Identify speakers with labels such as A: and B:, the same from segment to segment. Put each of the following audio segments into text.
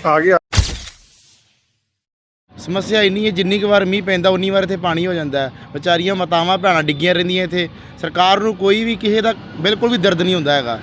A: ਆ ਗਿਆ।
B: ਸਮੱਸਿਆ ਇੰਨੀ ਹੈ, ਜਿੰਨੀ ਕੁ ਵਾਰ ਮੀਂਹ ਪੈਂਦਾ ਉਨੀ ਵਾਰ ਇੱਥੇ ਪਾਣੀ ਹੋ ਜਾਂਦਾ ਹੈ। ਵਿਚਾਰੀਆਂ ਮਾਤਾਵਾਂ ਭੈਣਾਂ ਡਿੱਗੀਆਂ ਰਹਿੰਦੀਆਂ ਇੱਥੇ। ਸਰਕਾਰ ਨੂੰ ਕੋਈ ਵੀ ਕਿਸੇ ਦਾ ਬਿਲਕੁਲ ਵੀ ਦਰਦ ਨਹੀਂ ਹੁੰਦਾ ਹੈਗਾ।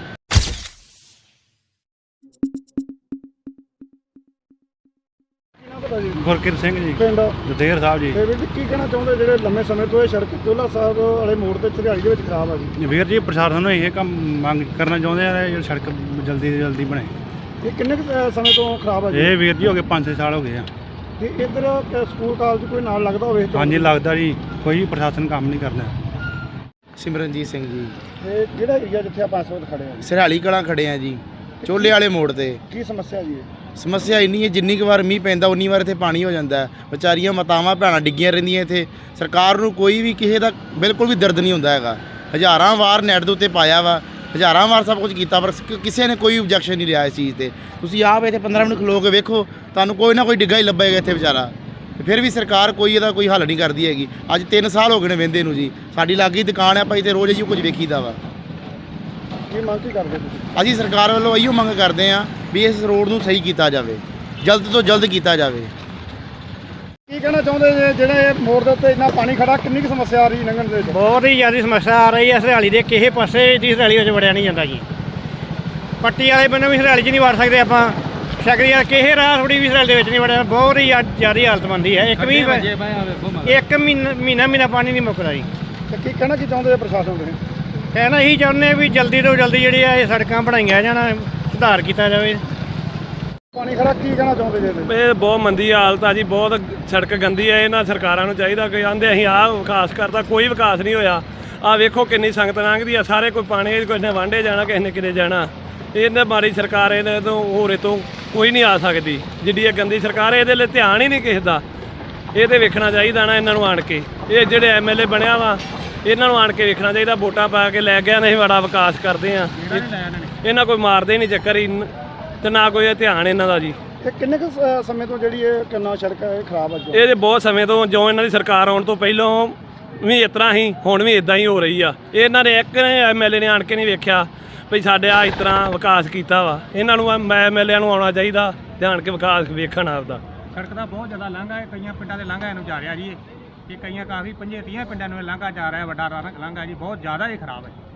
C: ਗੁਰਕਿਰਤ ਸਿੰਘ ਜੀ,
A: ਪਿੰਡ
C: ਦਦੇਰ ਸਾਹਿਬ ਜੀ।
A: ਤੇ ਵੀਰ ਜੀ ਕੀ ਕਹਿਣਾ ਚਾਹੁੰਦੇ ਜਿਹੜੇ ਲੰਮੇ ਸਮੇਂ ਤੋਂ ਇਹ ਸੜਕ ਚੋਲਾ ਸਾਹਿਬ ਵਾਲੇ ਮੋੜ ਤੇ ਝਰਿਆਲੀ ਦੇ ਵਿੱਚ ਖਰਾਬ ਆ ਜੀ?
C: ਵੀਰ ਜੀ, ਪ੍ਰਸ਼ਾਸਨ ਨੂੰ ਇਹ ਕੰਮ ਮੰਗ ਕਰਨਾ ਚਾਹੁੰਦੇ ਆ ਕਿ ਸੜਕ ਜਲਦੀ ਤੋਂ ਜਲਦੀ ਬਣੇ।
A: ਇਹ ਕਿੰਨੇ ਕੁ ਸਮੇਂ ਤੋਂ ਖਰਾਬ ਆ ਜੀ?
C: ਇਹ ਵੀਰ ਜੀ ਹੋ ਗਏ 5-6 ਸਾਲ ਹੋ ਗਏ ਆ।
A: ਤੇ ਇੱਧਰ ਸਕੂਲ ਕਾਲਜ ਕੋਈ ਨਾਲ ਲੱਗਦਾ ਹੋਵੇ?
C: ਹਾਂਜੀ ਲੱਗਦਾ ਜੀ, ਕੋਈ ਪ੍ਰਸ਼ਾਸਨ ਕੰਮ ਨਹੀਂ ਕਰਦਾ।
B: ਸਿਮਰਨਜੀਤ ਸਿੰਘ ਜੀ,
A: ਇਹ ਜਿਹੜਾ ਏਰੀਆ ਜਿੱਥੇ ਆਪਾਂ ਇਸ ਵਕਤ ਖੜੇ ਆ ਜੀ,
B: ਸਰਹਾਲੀ ਕਲਾਂ ਖੜੇ ਆ ਜੀ, ਚੋਲੇ ਵਾਲੇ ਮੋੜ ਤੇ।
A: ਕੀ ਸਮੱਸਿਆ ਜੀ?
B: ਸਮੱਸਿਆ ਇੰਨੀ ਹੈ, ਜਿੰਨੀ ਕੁ ਵਾਰ ਮੀਂਹ ਪੈਂਦਾ ਉਨੀ ਵਾਰ ਇੱਥੇ ਪਾਣੀ ਹੋ ਜਾਂਦਾ ਹੈ। ਵਿਚਾਰੀਆਂ ਮਾਤਾਵਾਂ ਭੈਣਾਂ ਡਿੱਗੀਆਂ ਰਹਿੰਦੀਆਂ ਇੱਥੇ। ਸਰਕਾਰ ਨੂੰ ਕੋਈ ਵੀ ਕਿਸੇ ਦਾ ਬਿਲਕੁਲ ਵੀ ਦਰਦ ਨਹੀਂ ਹੁੰਦਾ ਹੈਗਾ। ਹਜ਼ਾਰਾਂ ਵਾਰ ਨੈਟ ਦੇ ਉੱਤੇ ਪਾਇਆ ਵਾ, ਹਜ਼ਾਰਾਂ ਵਾਰ ਸਭ ਕੁਝ ਕੀਤਾ, ਪਰ ਕਿਸੇ ਨੇ ਕੋਈ ਓਬਜੈਕਸ਼ਨ ਨਹੀਂ ਲਿਆ ਇਸ ਚੀਜ਼ ਤੇ। ਤੁਸੀਂ ਆਪ ਇੱਥੇ 15 ਮਿੰਟ ਖਲੋ ਕੇ ਵੇਖੋ, ਤੁਹਾਨੂੰ ਕੋਈ ਨਾ ਕੋਈ ਡਿੱਗਾ ਹੀ ਲੱਭੇਗਾ ਇੱਥੇ ਵਿਚਾਰਾ। ਤੇ ਫਿਰ ਵੀ ਸਰਕਾਰ ਕੋਈ ਇਹਦਾ ਕੋਈ ਹੱਲ ਨਹੀਂ ਕਰਦੀ ਹੈਗੀ। ਅੱਜ 3 ਸਾਲ ਹੋ ਗਏ ਨੇ ਵਹਿੰਦੇ ਨੂੰ ਜੀ। ਸਾਡੀ ਲਾਗੀ ਦੁਕਾਨ ਹੈ ਭਾਈ, ਤੇ ਰੋਜ਼ ਜੀ ਕੁਝ ਵੇਖੀਦਾ ਵਾ।
A: ਕੀ ਮੰਗ ਕੀ ਕਰਦੇ ਤੁਸੀਂ?
B: ਅਸੀਂ ਸਰਕਾਰ ਵੱਲੋਂ ਇਹੋ ਮੰਗ ਕਰਦੇ ਹਾਂ ਵੀ ਇਸ ਰੋਡ ਨੂੰ ਸਹੀ ਕੀਤਾ ਜਾਵੇ, ਜਲਦ ਤੋਂ ਜਲਦ ਕੀਤਾ ਜਾਵੇ।
A: ਕੀ ਕਹਿਣਾ ਚਾਹੁੰਦੇ ਜੇ ਜਿਹੜੇ ਇਹ ਮੋੜ ਦੇ ਉੱਤੇ ਇੰਨਾ ਪਾਣੀ ਖੜਾ, ਕਿੰਨੀ ਕੁ ਸਮੱਸਿਆ ਆ ਰਹੀ ਲੰਘਣ ਦੇ ਵਿੱਚ?
D: ਬਹੁਤ ਹੀ ਜ਼ਿਆਦਾ ਸਮੱਸਿਆ ਆ ਰਹੀ ਹੈ। ਸਰਹਾਲੀ ਦੇ ਕਿਸੇ ਪਾਸੇ ਦੀ ਸਰਹਾਲੀ ਵਿੱਚ ਵੜਿਆ ਨਹੀਂ ਜਾਂਦਾ ਜੀ। ਪੱਟੀ ਵਾਲੇ ਬੰਨੇ ਵੀ ਸਰਹਾਲੀ 'ਚ ਨਹੀਂ ਵੜ ਸਕਦੇ ਆਪਾਂ। ਸ਼ਕਰੀ ਵਾਲੇ ਕਿਸੇ ਰਾਹ ਥੋੜੀ ਵੀ ਸਰਹਾਲੀ ਦੇ ਵਿੱਚ ਨਹੀਂ ਵੜਿਆ। ਬਹੁਤ ਹੀ ਜ਼ਿਆਦਾ ਹਾਲਤ ਬਣਦੀ ਹੈ। ਇੱਕ ਮਹੀਨਾ ਪਾਣੀ ਨਹੀਂ ਮੁੱਕਦਾ ਜੀ।
A: ਤੇ ਕੀ ਕਹਿਣਾ ਕੀ ਚਾਹੁੰਦੇ ਪ੍ਰਸ਼ਾਸਨ ਦੇ?
D: ਕਹਿਣਾ ਇਹੀ ਚਾਹੁੰਦੇ ਵੀ ਜਲਦੀ ਤੋਂ ਜਲਦੀ ਜਿਹੜੀ ਆ ਇਹ ਸੜਕਾਂ ਬਣਾਈਆਂ ਜਾਣ, ਸੁਧਾਰ ਕੀਤਾ ਜਾਵੇ।
A: ਪਾਣੀ ਖੜਾ, ਕੀ ਕਹਿਣਾ ਚਾਹੁੰਦੇ ਜੇ?
E: ਇਹ ਬਹੁਤ ਮੰਦੀ ਹਾਲਤ ਆ ਜੀ, ਬਹੁਤ ਸੜਕ ਗੰਦੀ ਹੈ। ਇਹਨਾਂ ਸਰਕਾਰਾਂ ਨੂੰ ਚਾਹੀਦਾ ਕਿ ਆਂਦੇ ਅਸੀਂ ਆਹ ਵਿਕਾਸ ਕਰਦਾ, ਕੋਈ ਵਿਕਾਸ ਨਹੀਂ ਹੋਇਆ। ਆਹ ਵੇਖੋ ਕਿੰਨੀ ਸੰਗਤ ਲੰਘਦੀ ਆ, ਸਾਰੇ ਕੋਈ ਪਾਣੀ, ਕਿਸੇ ਨੇ ਵਾਂਢੇ ਜਾਣਾ, ਕਿਸੇ ਨੇ ਕਿਤੇ ਜਾਣਾ। ਇਹਨੇ ਮਾੜੀ ਸਰਕਾਰ, ਇਹਨੇ ਤੋਂ ਹੋਰੇ ਤੋਂ ਕੋਈ ਨਹੀਂ ਆ ਸਕਦੀ। ਜਿੱਡੀ ਇਹ ਗੰਦੀ ਸਰਕਾਰ ਹੈ, ਇਹਦੇ ਲਈ ਧਿਆਨ ਹੀ ਨਹੀਂ ਕਿਸੇ ਦਾ। ਇਹ ਤਾਂ ਵੇਖਣਾ ਚਾਹੀਦਾ ਨਾ ਇਹਨਾਂ ਨੂੰ ਆਣ ਕੇ। ਇਹ ਜਿਹੜੇ MLA ਬਣਿਆ ਵਾ, ਇਹਨਾਂ ਨੂੰ ਆਣ ਕੇ ਵੇਖਣਾ ਚਾਹੀਦਾ। ਵੋਟਾਂ ਪਾ ਕੇ ਲੈ ਗਿਆ, ਨਹੀਂ ਬੜਾ ਵਿਕਾਸ ਕਰਦੇ ਆ। ਇਹਨਾਂ ਕੋਈ ਮਾਰਦੇ ਨਹੀਂ ਚੱਕਰ ਹੀ, ਤੇ ਨਾ ਕੋਈ ਧਿਆਨ ਇਹਨਾਂ ਦਾ ਜੀ।
A: ਤੇ ਕਿੰਨੇ ਕੁ ਸਮੇਂ ਤੋਂ ਜਿਹੜੀ ਇਹ ਕਿੰਨਾ ਸੜਕ ਹੈ ਖਰਾਬ ਆ ਜੀ?
E: ਇਹ ਬਹੁਤ ਸਮੇਂ ਤੋਂ, ਜੋ ਇਹਨਾਂ ਦੀ ਸਰਕਾਰ ਆਉਣ ਤੋਂ ਪਹਿਲਾਂ ਵੀ ਇਸ ਤਰ੍ਹਾਂ ਹੀ, ਹੁਣ ਵੀ ਇਦਾਂ ਹੀ ਹੋ ਰਹੀ ਆ। ਇਹਨਾਂ ਨੇ ਇੱਕ MLA ਨੇ ਆਣ ਕੇ ਨਹੀਂ ਵੇਖਿਆ ਵੀ ਸਾਡੇ ਆ ਇਸ ਤਰ੍ਹਾਂ ਵਿਕਾਸ ਕੀਤਾ ਵਾ। ਇਹਨਾਂ ਨੂੰ MLA ਨੂੰ ਆਉਣਾ ਚਾਹੀਦਾ, ਧਿਆਨ ਕੇ ਵਿਕਾਸ ਵੇਖਣ ਆਪਦਾ।
D: ਸੜਕ ਦਾ ਬਹੁਤ ਜ਼ਿਆਦਾ ਲਾਂਘਾ ਹੈ, ਕਈਆਂ ਪਿੰਡਾਂ ਦੇ ਲਾਂਘਾ ਇਹਨੂੰ ਜਾ ਰਿਹਾ ਜੀ। ਇਹ ਕਈਆਂ ਕਾਫੀ 25-30 ਪਿੰਡਾਂ ਨੂੰ ਲਾਂਘਾ ਜਾ ਰਿਹਾ, ਵੱਡਾ ਲਾਂਘਾ ਜੀ, ਬਹੁਤ ਜ਼ਿਆਦਾ ਹੀ ਖਰਾਬ ਹੈ।